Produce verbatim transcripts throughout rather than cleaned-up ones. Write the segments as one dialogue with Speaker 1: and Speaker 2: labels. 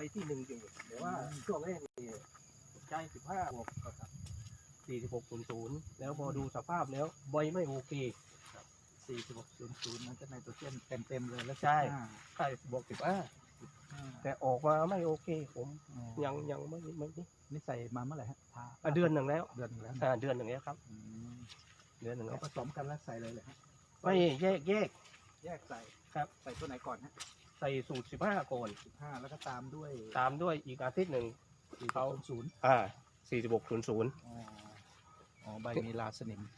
Speaker 1: ที่หนึ่งอยู่แต่ว่าช่วงแรกนี่ใช้สิบห้าบวกกับสี่สิบหกศูนย์ศูนย์แล้วพอดูสภาพแล้วใบไม่โอเค
Speaker 2: สี่สิบหกศูนย์ศูนย์มันก็ไนโตรเจนเต็มเต็มเลยแล้ว
Speaker 1: ใช่ใช่บวกสิบห้าแต่ออกมาไม่โอเคผมยังยังไม่ไม่
Speaker 2: นี่ใส่มาเมื่อไหร่ฮะ
Speaker 1: เดือนหนึ่งแล้ว
Speaker 2: เดือนหนึ่งแล้ว
Speaker 1: เดือนหนึ่งแล้วครับเดือนหนึ่งแล้ว
Speaker 2: ผสมกันแล้วใส่เลยเลยฮะ
Speaker 1: ไม่แยกแยก
Speaker 2: แยกใส่
Speaker 1: ครับ
Speaker 2: ใส่ตัวไหนก่อนฮะ
Speaker 1: ใส่สูตรสิบห้าก่อน
Speaker 2: สิบห้าแล้วก็ตามด้วย
Speaker 1: ตามด้วยอีกอาทิตย์หนึ่ง
Speaker 2: เขาศูนย์
Speaker 1: อ่าสี่สิบหกศูนย์ศูนย์
Speaker 2: อ๋อใบมีลาสนิม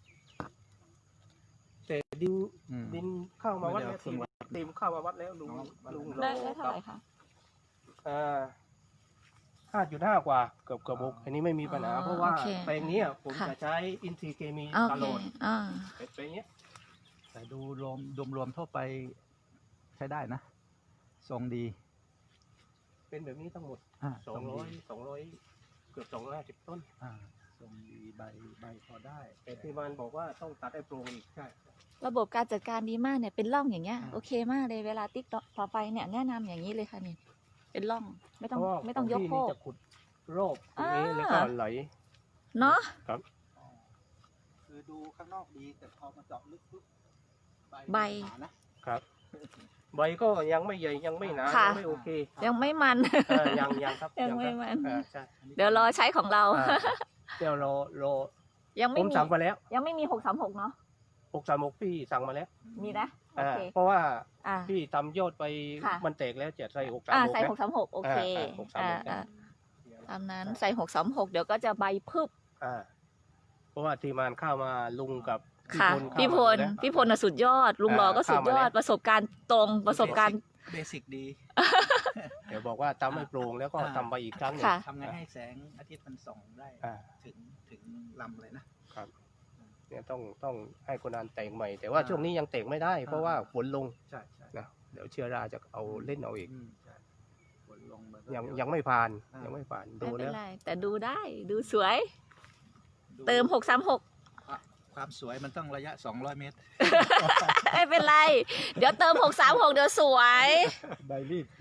Speaker 1: แต่ดินดินเข้ามาวัดแล้วดินเข้ามาวัดแล้วลุงลุง
Speaker 3: ได้เท่าไหร่คะ
Speaker 1: อ่าห้าจุดห้ากว่าเกือบเกือบหกอันนี้ไม่มีปัญหาเพราะว่าแปลงนี้ผมจะใช้อินทรีย์เคมีตลอดแปลงนี้
Speaker 2: แต่ดูรวมรวมรวมทั่วไปใช้ได้นะทรงดี
Speaker 1: เป็นแบบนี้ทั้งหมดสองร้อยสองร้อยเกือบสองร้อยห้าสิบต้น
Speaker 2: ทรงดีใบใบพอได้
Speaker 1: แต่ที่มันบอกว่าต้องตัดให้โปร่งอีกใช่
Speaker 3: ระบบการจัดการดีมากเนี่ยเป็นร่องอย่างเงี้ยโอเคมากเลยเวลาติ๊กต่อไปเนี่ยแนะนำอย่างนี้เลยค่ะนี่เป็นร่องไม่ต้องไม่ต้องยกโคก
Speaker 1: จะขุดโรคตรงนี้แล้วก็ไหล
Speaker 3: เนาะ
Speaker 1: ครับ
Speaker 2: คือดูข้างนอกดีแต่พอมาเจาะลึกปุ๊บ
Speaker 3: ใบ
Speaker 1: นะครับใบก็ยังไม่ใหญ่ยังไม่หนายังไม่โอเค
Speaker 3: ยังไม่มัน
Speaker 1: ยังยังครับ
Speaker 3: ยังไม่มันเดี๋ยวรอใช้ของเรา
Speaker 1: เดี๋ยวรอรอ
Speaker 3: ยังไม่
Speaker 1: ผมสั่งไปแล้ว
Speaker 3: ยังไม่มีหกสามหกเนาะ
Speaker 1: หกสามหกพี่สั่งมาแล้ว
Speaker 3: มีนะ
Speaker 1: เพราะว่าพี่ทำยอดไปมันแตกแล้วจะใส่หกสามหก
Speaker 3: ใส่หกสามหกโอเคตามนั้นใส่หกสามหกเดี๋ยวก็จะใบพึบ
Speaker 1: เพราะว่าทีมงานเข้ามาลุงกับ
Speaker 3: ค่ะพี่พลพี่พลสุดยอดลุงหล่อก็สุดยอดประสบการณ์ตรงประสบการณ์
Speaker 2: เบสิกดี
Speaker 1: เดี๋ยวบอกว่าทำให้โปร่งแล้วก็ทำไปอีกครั้งหนึ่ง
Speaker 2: ทำไงให้แสงอาทิตย์มันส่องได้ถึงถึงลำเลยนะครับ
Speaker 1: เนี่ยต้องต้องให้คนงานแต่งใหม่แต่ว่าช่วงนี้ยังแต่งไม่ได้เพราะว่าฝนลง
Speaker 2: ใช่ใช่
Speaker 1: นะเดี๋ยวเชื้อราจะเอาเล่นเอาอีก
Speaker 2: ฝนลง
Speaker 1: ยังยังไม่ผ่านยังไม่ผ่านดูแล้ว
Speaker 3: แต่ดูได้ดูสวยเติมหกสามหก
Speaker 2: ความสวยมันต้องระยะสองร้อยเมตร
Speaker 3: ไม่เป็นไรเดี๋ยวเติมหกสามหกเดี๋ยวสวย
Speaker 2: ใบรีบ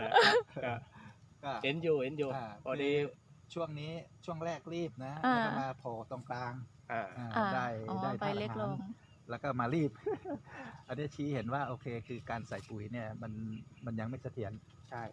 Speaker 1: เอ็นยูเอ็นยูพอดี
Speaker 2: ช่วงนี้ช่วงแรกรีบนะแล้วก็มาโผล่ตรงกลางได้ได้
Speaker 3: ไปเล็กลง
Speaker 2: แล้วก็มารีบอันนี้ชี้เห็นว่าโอเคคือการใส่ปุ๋ยเนี่ยมันมันยังไม่เสถียร
Speaker 1: ใช่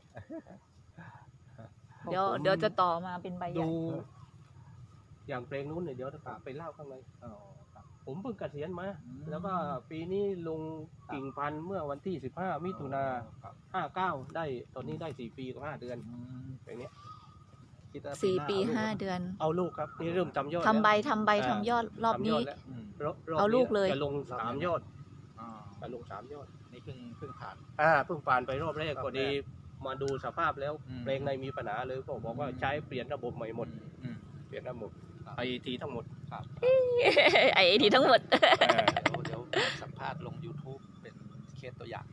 Speaker 3: เดี๋ยวเดี๋ยวจะต่อมาเป็นใบใหญ่
Speaker 1: อย่างเพลงนู้นเนี่ยเดี๋ยวจะไปเล่าข้างในผมเพิ่งเกษียณมาแล้วก็ปีนี้ลงกิ่งพันธุ์เมื่อวันที่สิบห้ามิถุนาห้าเก้าได้ตอนนี้ได้สี่ปีกับห้าเดือนอย่างเงี้ย
Speaker 3: สี่ปีห้าเดือน
Speaker 1: เอาลูกครับนี่เริ่มทำยอด
Speaker 3: ทำใบทำใบทำยอดรอบนี้เอาลูกเลย
Speaker 1: จะลงสามยอดจะลงสามยอด
Speaker 2: นี่เพิ่งเพิ่งผ่าน
Speaker 1: อ่าเพิ่งผ่านไปรอบแรกก็ดีมาดูสภาพแล้วเพลงในมีปัญหาเลยก็บอกว่าใช้เปลี่ยนระบบใหม่หมดเปลี่ยนระบบไอทีทั้งหมด
Speaker 3: ไอทีทั้งหมด
Speaker 2: เดี๋ยวสัมภาษณ์ลง ยูทูบ เป็นเคสตัวอย่าง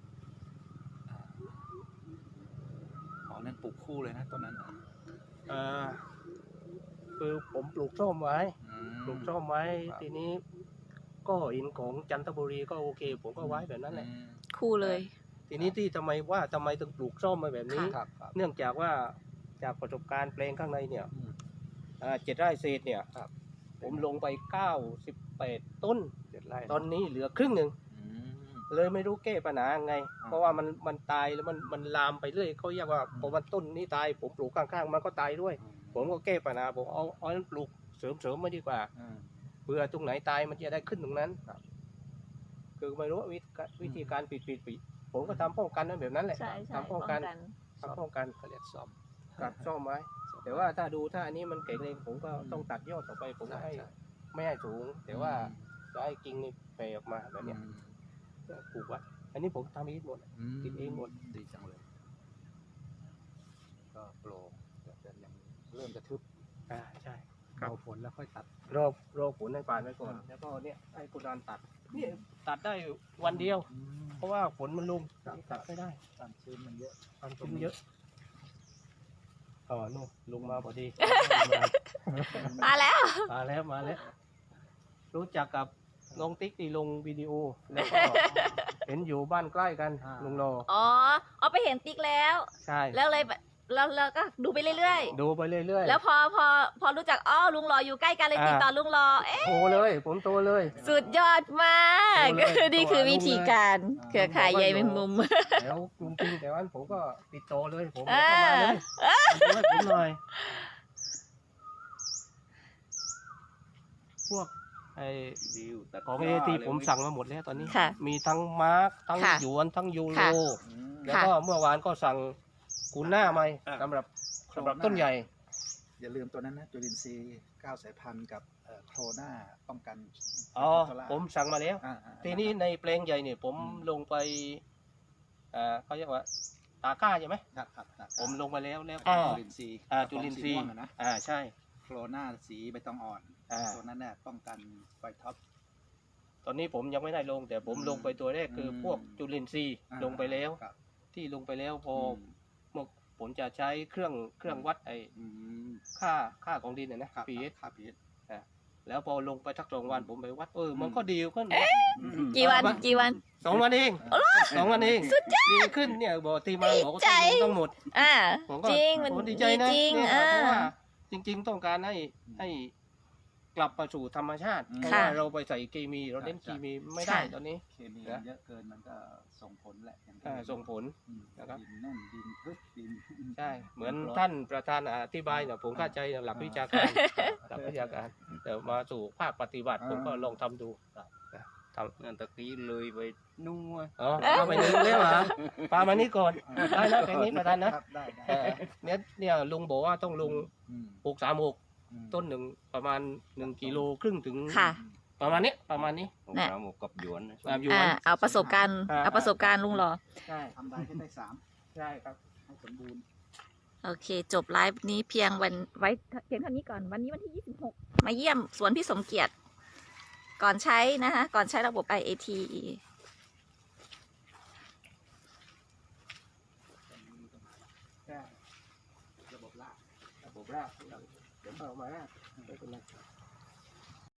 Speaker 2: อ๋อนั่นปลูกคู่เลยนะต้นนั้น
Speaker 1: อ่าคือผมปลูกส้มไว้ปลูกส้มไว้ทีนี้ก็อินของจันทบุรีก็โอเคผมก็ไว้แบบนั้นแหละ
Speaker 3: คู่เลย
Speaker 1: ทีนี้ที่ทำไมว่าทำไมถึงปลูกส้มมาแบบนี้เนื่องจากว่าจากประสบการณ์แปลงข้างในเนี่ยเจ็ดไร่เศษเนี่ยผมลงไปเก้าสิบแปดต้นตอนนี้เหลือครึ่งหนึ่งเลยไม่รู้แก้ปัญหาไงเพราะว่ามันมันตายแล้วมันมันลามไปเรื่อยเขาเรียกว่าพอมันต้นนี้ตายผมปลูกข้างๆมันก็ตายด้วยผมก็แก้ปัญหาผมเอาเอานั้นปลูกเสริมๆมาดีกว่าเพื่อตรงไหนตายมันจะได้ขึ้นตรงนั้นคือไม่รู้วิธีการปิดปิดปิดผมก็ทำป้องกันนั่นแบบนั้นแหละทำป้องกันทำป้องกัน
Speaker 2: เขาเรียกซ่อม
Speaker 1: ตัดซ่อมไว้แต่ว่าถ้าดูถ้าอันนี้มันแข็งแรงผมก็ต้องตัดยอดต่อไปผมไม่ให้ไม่ให้สูงแต่ว่าจะให้กิ่งนี่แผ่ออกมาแบบนี้ปลูกไว้อันนี้ผมทำเองหมดกินเองหมด
Speaker 2: ดีจังเลยก็โปร่งแต่ยังเริ่มจะทึบ
Speaker 1: อ่าใช่
Speaker 2: รอฝนแล้วค่อยตัด
Speaker 1: รอรอฝนให้ผ่านไปก่อนแล้วก็เนี่ยให้กุดานตัดนี่ตัดได้วันเดียวเพราะว่าฝนมันลงตัดไม่ได้
Speaker 2: ความชื้นมันเยอะ
Speaker 1: ความชื้นเยอะอ๋อนู่นลงมาพอดี
Speaker 3: มาแล้ว
Speaker 1: มาแล้วมาแล้วรู้จักกับน้องติ๊กที่ลงวิดีโอแล้วก็เห็นอยู่บ้านใกล้กัน
Speaker 2: อ่า
Speaker 1: ลุงโล
Speaker 3: อ๋อเอาไปเห็นติ๊กแล้ว
Speaker 1: ใช่
Speaker 3: แล้วเลยแบบแล้วเราก็ดูไปเรื่อย
Speaker 1: ดูไปเรื่อย
Speaker 3: ๆ แล้วพอพอพอรู้จักอ๋อลุงรออยู่ใกล้กันเลย
Speaker 1: อ่า
Speaker 3: ติดต่อลุงรอเอ๊ะ
Speaker 1: ๆโทรเลย ผมโทรเลย
Speaker 3: สุดยอดมาก
Speaker 1: โทรเลย
Speaker 3: นี่คือวิธีการ
Speaker 2: อ่า
Speaker 3: เครือข่ายใยแมงมุม
Speaker 1: แล้วกรุงจริงแต่วันผมก็ติดต่อเลย ผม
Speaker 3: อ่า
Speaker 1: เข้ามาเลยช่วยผมหน่อย พวกไอ้ของเอทีผมสั่งมาหมดแล้วตอนนี้
Speaker 3: ค่ะ
Speaker 1: มีทั้งมาร์กทั้ง
Speaker 3: ค่ะ
Speaker 1: หยวนทั้งยูโร
Speaker 3: ค่ะ
Speaker 2: อืม
Speaker 1: แล้วก็เมื่อวานก็สั่งกูน่ามาสำหรับสำหรับต้นใหญ่
Speaker 2: อย่าลืมตัวนั้นนะจุลินทรีย์เก้าสายพันธุ์กับเอ่อโครนาป้องกัน
Speaker 1: อ๋อ
Speaker 2: โซล่า
Speaker 1: ผมสั่งมาแล้ว
Speaker 2: อ่าอ่า
Speaker 1: ทีนี้ในแปลงใหญ่เนี่ยผม
Speaker 2: อืม
Speaker 1: ลงไปอ่าเขาเรียกว่าตาก้าใช่ไหม
Speaker 2: ครับครับครับ
Speaker 1: ผมลงไปแล้วแล้ว
Speaker 2: จุ
Speaker 1: ก็
Speaker 2: ลินทรีย์
Speaker 1: อ่าจุลินทรี
Speaker 2: กะ
Speaker 1: ย์
Speaker 2: ป๋องสีม่วงอะนะ
Speaker 1: อ่าใช่
Speaker 2: โครนาสีใบตองอ่อน
Speaker 1: อ่า
Speaker 2: ตัวนั้นเนี่ยป้องกันไฟท็อป
Speaker 1: ตอนนี้ผมยังไม่ได้ลง แต่ผม
Speaker 2: อืม
Speaker 1: ลงไปตัวแรกคืออ
Speaker 2: ม
Speaker 1: พวกจุลินทรีย์
Speaker 2: อ่า
Speaker 1: ลงไปแล้ว
Speaker 2: ครับ
Speaker 1: ที่ลงไปแล้วพอ
Speaker 2: อืม
Speaker 1: เมื่อผมจะใช้เครื่องเครื่องวัดไอ้
Speaker 2: อืม
Speaker 1: ค่าค่าของดินนะนะครับ พี เอช
Speaker 2: ครับพีเอส
Speaker 1: แล้วพอลงไปทักสองวันผมไปวัดเออมัน
Speaker 2: อืม
Speaker 1: ก็ดีขึ้น
Speaker 3: กี่วัน
Speaker 1: เอามา
Speaker 3: กี่วัน
Speaker 1: สองวันเองสองวันเองดีขึ้นเนี่ยบอกทีมาบอกว่า
Speaker 3: ใจ
Speaker 1: ต้องลงทั้งหมด
Speaker 3: อ่า
Speaker 1: ผมก็
Speaker 3: จริงมัน
Speaker 1: โอ้ดี
Speaker 3: ดี
Speaker 1: ใจนะ
Speaker 3: จริง
Speaker 1: เนี่ย
Speaker 3: อ่า
Speaker 1: เพราะว่าจริง ๆ ต้องการให้ให้กลับมาสู่ธรรมชาติ
Speaker 2: อืม
Speaker 1: เพราะ
Speaker 3: ค่ะ
Speaker 1: ว่าเราไปใส่เคมีเราเน้น
Speaker 2: ใช่
Speaker 1: เคมีไม่ได้
Speaker 3: ค่ะ
Speaker 1: ตอนนี้
Speaker 2: เคมี
Speaker 1: นะ
Speaker 2: เยอะเกินมันก็ส่งผลแหละอย่างที่
Speaker 1: อ่าส่งผล
Speaker 2: อืม
Speaker 1: นะครับ
Speaker 2: ดินแน่นดินทึบดิน
Speaker 1: ใช่ เหมือน
Speaker 2: รถ
Speaker 1: ท่านประธานอธิบายเนี่ยผมเข้าใจหลักวิชาการหลักวิชาการแต่มาสู่ภาคปฏิบัติผมก็ลองทำดูนะทำ
Speaker 4: นั่นตะกี้เลยไปนู่น
Speaker 1: อ๋อปลาไปนึงแล้วเหรอปลามานี่ก่อนได้นะแค่นี้ประธานนะครับ
Speaker 2: ได้ได้
Speaker 1: เออเนี่ยเนี่ยลุงบอกว่าต้องลง
Speaker 2: อืม
Speaker 1: หกสามหก
Speaker 2: อืม
Speaker 1: ต้นหนึ่งประมาณหนึ่งกิโลครึ่งถึง
Speaker 3: ค่ะ
Speaker 1: ประมาณนี้ประมาณนี้
Speaker 4: ของ
Speaker 3: น่ะ
Speaker 4: เราหมกกับหยวนนะ
Speaker 1: ตามอยู่
Speaker 3: อ่า
Speaker 1: วัน
Speaker 3: เอาประสบการณ์
Speaker 1: อ่า
Speaker 3: เอาประสบการณ์ลุงรอ
Speaker 1: ใช่
Speaker 2: ทำได้ให้ได้สาม
Speaker 1: ใช่ครับ
Speaker 2: ให้สมบูรณ์
Speaker 3: โอเค จบไลฟ์นี้เพียงวันไว้เพียงเท่านี้ก่อนวันนี้วันที่ยี่สิบหกมาเยี่ยมสวนพี่สมเกียรติ ก่อนใช้นะคะก่อนใช้ระบบ ไอ เอ ที
Speaker 1: ใช่
Speaker 2: ระบบลาก
Speaker 1: ระบบรากเดี๋ยวเอามาไม่เป็นไร